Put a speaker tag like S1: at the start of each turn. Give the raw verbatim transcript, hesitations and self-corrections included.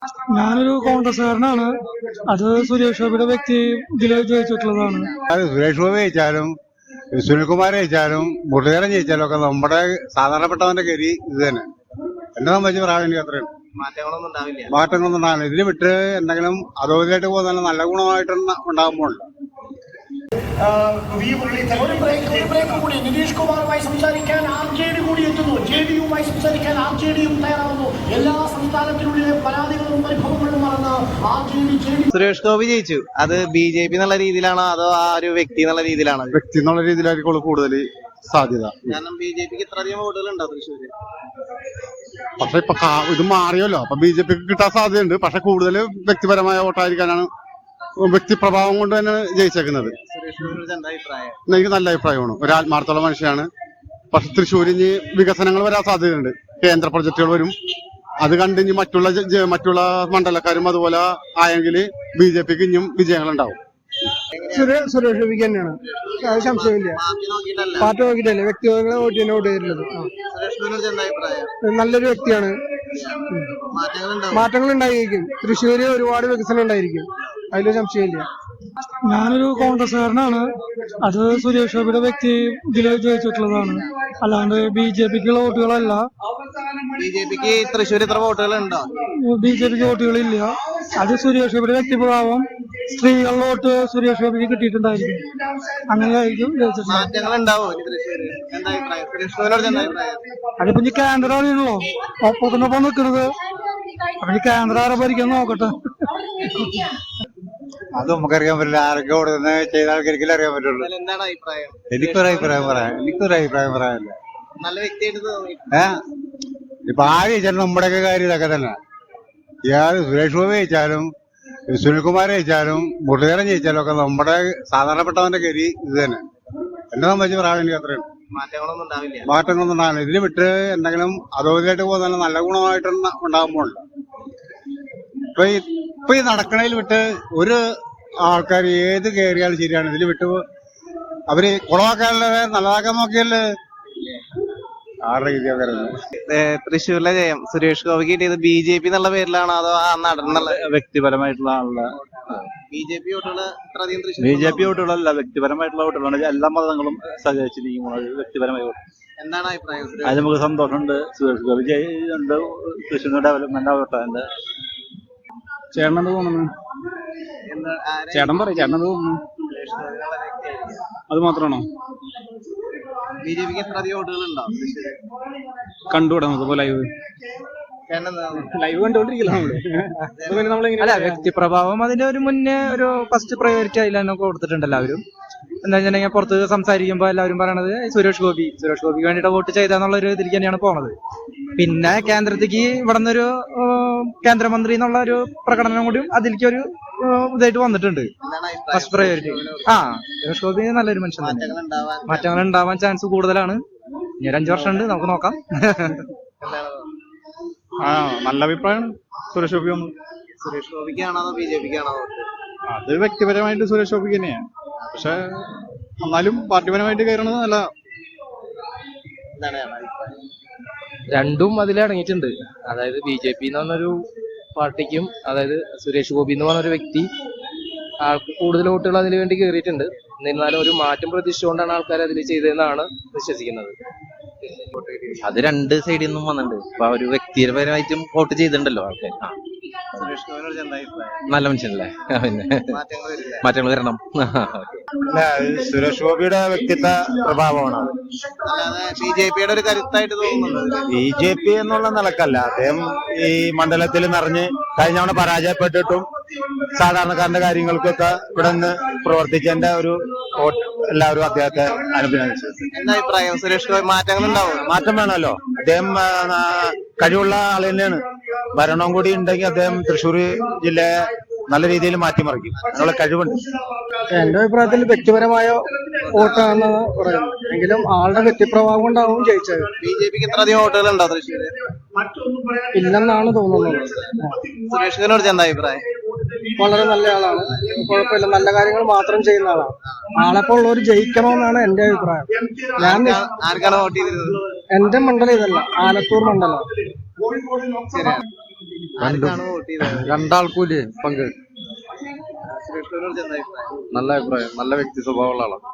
S1: ഞാനൊരു കോൺഗ്രസ്സുകാരനാണ്. അത് സുരേഷ് ഗോപിയുടെ വ്യക്തി ഇതിൽ ജയിച്ചിട്ടുള്ളതാണ്.
S2: അത് സുരേഷ് ഗോപി ജയിച്ചാലും സുനിൽകുമാർ ജയിച്ചാലും മുരളീധരൻ ജയിച്ചാലും ഒക്കെ നമ്മുടെ സാധാരണപ്പെട്ടവന്റെ ഗതി ഇത് തന്നെ. എന്നെ സംബന്ധിച്ച് പറയാൻ എനിക്ക് അത്രയും
S3: മാറ്റങ്ങളൊന്നും ഉണ്ടാവില്ല.
S2: മാറ്റങ്ങളൊന്നും ഉണ്ടാകില്ല. ഇതിന് വിട്ട് എന്തെങ്കിലും അതോറിയായിട്ട് പോകുന്ന നല്ല ഗുണമായിട്ട് ഉണ്ടാകുമ്പോൾ
S4: ഒരു ബ്രേക്ക് ഒരു ബ്രേക്ക് കൂടി നിതീഷ് കുമാറുമായി സംസാരിക്കാൻ ആർ ജെ ഡി കൂടി എത്തുന്നു. ജെ ഡി യുമായി സംസാരിക്കാൻ ആർ ജെ ഡിയും തയ്യാറാവുന്നു. എല്ലാ സംസ്ഥാനത്തിനുള്ളിലെ പരാതികളും പരിഭവങ്ങളും മറന്ന് R J D J D.
S3: Suresh Gopi ജയിച്ചു. അത് ബി ജെ പി എന്നുള്ള രീതിയിലാണോ അതോ ആ ഒരു വ്യക്തി എന്നുള്ള രീതിയിലാണോ?
S2: വ്യക്തി എന്നുള്ള രീതിയിലായിരിക്കും കൂടുതൽ സാധ്യത.
S3: കാരണം ബി ജെ പിക്ക് ഇത്രയധികം വോട്ടുകൾ ഉണ്ടോ തൃശ്ശൂര്?
S2: പക്ഷെ ഇപ്പൊ ഇത് മാറിയല്ലോ, അപ്പൊ ബി ജെ പിക്ക് കിട്ടാൻ സാധ്യതയുണ്ട്. പക്ഷെ കൂടുതൽ വ്യക്തിപരമായ വോട്ടായിരിക്കാനാണ്, വ്യക്തിപ്രഭാവം കൊണ്ട് തന്നെ ജയിച്ചേക്കുന്നത്. എനിക്ക് നല്ല അഭിപ്രായമാണ്. ഒരു ആത്മാർത്ഥമുള്ള മനുഷ്യനാണ്. പക്ഷെ തൃശ്ശൂരിന് വികസനങ്ങൾ വരാൻ സാധ്യതയുണ്ട്. കേന്ദ്ര പ്രൊജക്ടുകൾ വരും. അത് കണ്ടിഞ്ഞ് മറ്റുള്ള മറ്റുള്ള മണ്ഡലക്കാരും അതുപോലെ ആയെങ്കിൽ ബി ജെ പിക്ക് ഇനിയും വിജയങ്ങൾ ഉണ്ടാവും.
S1: സുരേഷ് ഗോപിക്ക് തന്നെയാണ്, അത് സംശയമില്ല. പാർട്ടി നോക്കിയിട്ടല്ലേ, വ്യക്തികളെ വോട്ട് തന്നെ വോട്ട് ചെയ്തിട്ടുള്ളത്. നല്ലൊരു വ്യക്തിയാണ്. മാറ്റങ്ങൾ ഉണ്ടായിരിക്കും. തൃശ്ശൂര് ഒരുപാട് വികസനം ഉണ്ടായിരിക്കും, അതിലൊരു സംശയമില്ല. ഞാനൊരു കോൺഗ്രസ്സുകാരനാണ്. അത് സുരേഷ് ഗോപിയുടെ വ്യക്തി ഇതിൽ ജയിച്ചിട്ടുള്ളതാണ്. അല്ലാണ്ട് ബി ജെ പിക്കുള്ള വോട്ടുകളല്ല.
S3: ബി ജെ പിക്ക് തൃശ്ശൂർ ഇത്ര വോട്ടുകൾ ഉണ്ടോ?
S1: ബി ജെ പിക്ക് വോട്ടുകളില്ല. അത് സുരേഷ് ഗോപിയുടെ വ്യക്തിപ്രഭാവം, സ്ത്രീകളുടെ വോട്ട് സുരേഷ് ഗോപിക്ക് കിട്ടിയിട്ടുണ്ടായിരിക്കും. അങ്ങനെയായിരിക്കും ജയിച്ചിട്ടുള്ളത്.
S3: മാറ്റങ്ങൾ ഉണ്ടാവോ തൃശ്ശൂര്? എന്താ അഭിപ്രായം? സുരേഷ് ഗോപിയോട് എന്താ അഭിപ്രായം?
S1: അതിപ്പോ ഇനി കേന്ദ്രമാണല്ലോ ഒപ്പത്തിനൊപ്പം നിൽക്കുന്നത്. അപ്പൊ ഈ കേന്ദ്രം ആരെ ഭരിക്കാൻ നോക്കട്ടെ.
S2: അത് നമുക്കറിയാൻ പറ്റില്ല. ആരൊക്കെ കൊടുക്കുന്ന ചെയ്ത ആൾക്കാർക്കെല്ലാം അറിയാൻ പറ്റുള്ളൂ.
S3: എന്താണ് അഭിപ്രായം?
S2: എനിക്കൊരു അഭിപ്രായം പറയാം എനിക്കൊരു അഭിപ്രായം പറയാനില്ല.
S3: നല്ല വ്യക്തിയായിട്ട് തോന്നി.
S2: ഏഹ് ഇപ്പൊ ആര് ജയിച്ചാലും നമ്മുടെയൊക്കെ കാര്യം ഇതൊക്കെ തന്നെ. ഇയാൾ സുരേഷ് ഗോപി ജയിച്ചാലും സുനിൽകുമാർ ജയിച്ചാലും മുരളീധരൻ ജയിച്ചാലും ഒക്കെ നമ്മുടെ സാധാരണപ്പെട്ടവന്റെ ഗതി ഇത് തന്നെ. എന്നെ സംബന്ധിച്ച് പറയാൻ എനിക്ക് അത്രയും
S3: മാറ്റങ്ങളൊന്നും ഉണ്ടാവില്ല.
S2: മാറ്റങ്ങളൊന്നും ഉണ്ടാകില്ല. ഇതിന് വിട്ട് എന്തെങ്കിലും അതോറിയായിട്ട് പോകുന്ന നല്ല ഗുണമായിട്ട് ഉണ്ടാകുമ്പോൾ ഇപ്പൊ ഇപ്പൊ ഈ നടക്കണതിൽ വിട്ട് ഒരു ആൾക്കാർ ഏത് കയറിയാലും ശരിയാണ്. ഇതിൽ വിട്ട് അവര് കുളമാക്കാനല്ലേ നല്ലതാക്കാൻ നോക്കിയല്ലേ ആരുടെ രീതിയാണ് വരുന്നത്.
S3: തൃശ്ശൂരിലെ ജയം സുരേഷ് ഗോപിക്ക് കിട്ടിയത് ബി ജെ പി എന്നുള്ള പേരിലാണോ അതോ ആ നടന്നുള്ള
S5: വ്യക്തിപരമായിട്ടുള്ള ആളുടെ
S3: ബി ജെ പി വോട്ടുകൾ ഇത്രയധികം തൃശ്ശൂർ
S5: ബി ജെ പി വോട്ടുകളല്ല, വ്യക്തിപരമായിട്ടുള്ള വോട്ടുകളാണ്. എല്ലാ മതങ്ങളും സഹകരിച്ചിരിക്കുന്നത് വ്യക്തിപരമായ വോട്ട്.
S3: എന്താണ് അഭിപ്രായം?
S5: അത് നമുക്ക് സന്തോഷമുണ്ട്. സുരേഷ് ഗോപി ജയിച്ചുണ്ട്. തൃശ്ശൂർ ഡെവലപ്മെന്റ് ആവട്ടെ. ചേട്ടനെന്ത് തോന്നുന്നു? ചേട്ടൻ പറയും, ചേട്ടനെന്ത് തോന്നുന്നു? അത് മാത്രമാണോ?
S3: ബി ജെ പിക്ക് എത്രയധികം വോട്ടുകൾ ഉണ്ടോ?
S5: കണ്ടുകൂടാ നമുക്ക് ലൈവ് ലൈവ് കണ്ടുകൊണ്ടിരിക്കില്ല
S6: അല്ല, വ്യക്തിപ്രഭാവം അതിന്റെ ഒരു മുന്നേ ഒരു ഫസ്റ്റ് പ്രയോറിറ്റി അതിൽ തന്നെ കൊടുത്തിട്ടുണ്ട് എല്ലാവരും. എന്താ വെച്ചിട്ടുണ്ടെങ്കിൽ പുറത്ത് സംസാരിക്കുമ്പോൾ എല്ലാവരും പറയണത് സുരേഷ് ഗോപി സുരേഷ് ഗോപിക്ക് വേണ്ടിയിട്ട് വോട്ട് ചെയ്താന്നുള്ള ഒരു ഇതിലേക്ക് തന്നെയാണ് പോണത്. പിന്നെ കേന്ദ്രത്തിക്ക് ഇവിടെ നിന്നൊരു കേന്ദ്രമന്ത്രി എന്നുള്ള ഒരു പ്രകടനം കൂടി അതിലേക്ക് ഒരു ഇതായിട്ട് വന്നിട്ടുണ്ട്. ഫസ്റ്റ് പ്രയോറിറ്റി ആ സുരേഷ് ഗോപി നല്ലൊരു മനുഷ്യൻ തന്നെ. മാറ്റങ്ങൾ ഉണ്ടാവാൻ ചാൻസ് കൂടുതലാണ്. ഇനി ഒരു അഞ്ചു വർഷം ഉണ്ട്, നമുക്ക് നോക്കാം.
S5: ആ നല്ല അഭിപ്രായമാണ് സുരേഷ് ഗോപി വന്നു.
S3: സുരേഷ് ഗോപിക്കാണോ ബി ജെ പിക്കാണോ?
S5: അത് വ്യക്തിപരമായിട്ട് സുരേഷ് ഗോപിക്ക് തന്നെയാണ്. പക്ഷെ എന്നാലും പാർട്ടിപരമായിട്ട് കയറണത് നല്ല.
S6: രണ്ടും അതിലടങ്ങിയിട്ടുണ്ട്. അതായത് ബി ജെ പി എന്ന് പറഞ്ഞൊരു പാർട്ടിക്കും അതായത് സുരേഷ് ഗോപി എന്ന് പറഞ്ഞൊരു വ്യക്തി ആൾക്ക് കൂടുതൽ വോട്ടുകൾ അതിനു വേണ്ടി കയറിയിട്ടുണ്ട്. എന്നിരുന്നാലും ഒരു മാറ്റം പ്രതീക്ഷിച്ചുകൊണ്ടാണ് ആൾക്കാർ അതിൽ ചെയ്തതെന്നാണ് വിശ്വസിക്കുന്നത്.
S7: അത് രണ്ട് സൈഡിൽ നിന്നും വന്നിട്ടുണ്ട്. ഇപ്പൊ ഒരു വ്യക്തിപരമായിട്ടും വോട്ട് ചെയ്തിട്ടുണ്ടല്ലോ ആൾക്കാർ. ആ നല്ല മനുഷ്യനല്ലേ, പിന്നെ മാറ്റങ്ങൾ വരണം.
S2: സുരേഷ് ഗോപിയുടെ വ്യക്തിത്വ പ്രഭാവമാണ്.
S3: ബി ജെ പിയുടെ ഒരു കരുത്തായിട്ട് തോന്നുന്നുണ്ട്.
S2: ബി ജെ പി എന്നുള്ള നിലക്കല്ല, അദ്ദേഹം ഈ മണ്ഡലത്തിൽ നിറഞ്ഞ് കഴിഞ്ഞ തവണ പരാജയപ്പെട്ടിട്ടും സാധാരണക്കാരന്റെ കാര്യങ്ങൾക്കൊക്കെ ഇവിടെ നിന്ന് പ്രവർത്തിച്ചതിന്റെ ഒരു എല്ലാവരും അദ്ദേഹത്തെ അനുഭവിച്ചു.
S3: എന്താ അഭിപ്രായം? സുരേഷ് ഗോപി മാറ്റങ്ങൾ ഉണ്ടാവും?
S2: മാറ്റം വേണമല്ലോ. അദ്ദേഹം കഴിവുള്ള ആൾ തന്നെയാണ്. ഭരണവും കൂടി ഉണ്ടെങ്കിൽ അദ്ദേഹം തൃശ്ശൂർ ജില്ലയെ നല്ല രീതിയിൽ മാറ്റിമറിക്കും. അതിനുള്ള കഴിവുണ്ട്.
S1: എന്റെ അഭിപ്രായത്തിൽ വ്യക്തിപരമായ വോട്ടാണെന്ന് പറയുന്നത്. എങ്കിലും ആളുടെ വ്യക്തിപ്രഭാവം കൊണ്ടാവും ജയിച്ചത്.
S3: ബി ജെ പിക്ക് എത്രയധികം വോട്ടുകൾ ഉണ്ടോ തൃശ്ശൂര്?
S1: ഇല്ലെന്നാണ് തോന്നുന്നത്.
S3: സുരേഷ് ഗോപിയോട് എന്താ അഭിപ്രായം?
S1: വളരെ നല്ല ആളാണ്, കുഴപ്പമില്ല, നല്ല കാര്യങ്ങൾ മാത്രം ചെയ്യുന്ന ആളാണ്. ആളെപ്പോൾ ഉള്ളവർ ജയിക്കണമെന്നാണ് എന്റെ അഭിപ്രായം. ഞാൻ
S3: ആർക്കാണ് വോട്ട് ചെയ്തിരുന്നത്?
S1: എന്റെ മണ്ഡലം ഇതല്ല, ആലത്തൂർ മണ്ഡലം.
S3: ശരിയാണ്. ആർക്കാണ് വോട്ട് ചെയ്തത്?
S5: രണ്ടാൾക്കൂലേ പങ്ക്.
S3: സുരേഷ് ഗോപിയെ കുറിച്ച് എന്താ അഭിപ്രായം?
S5: നല്ല അഭിപ്രായം, നല്ല വ്യക്തി സ്വഭാവമുള്ള ആളാണ്.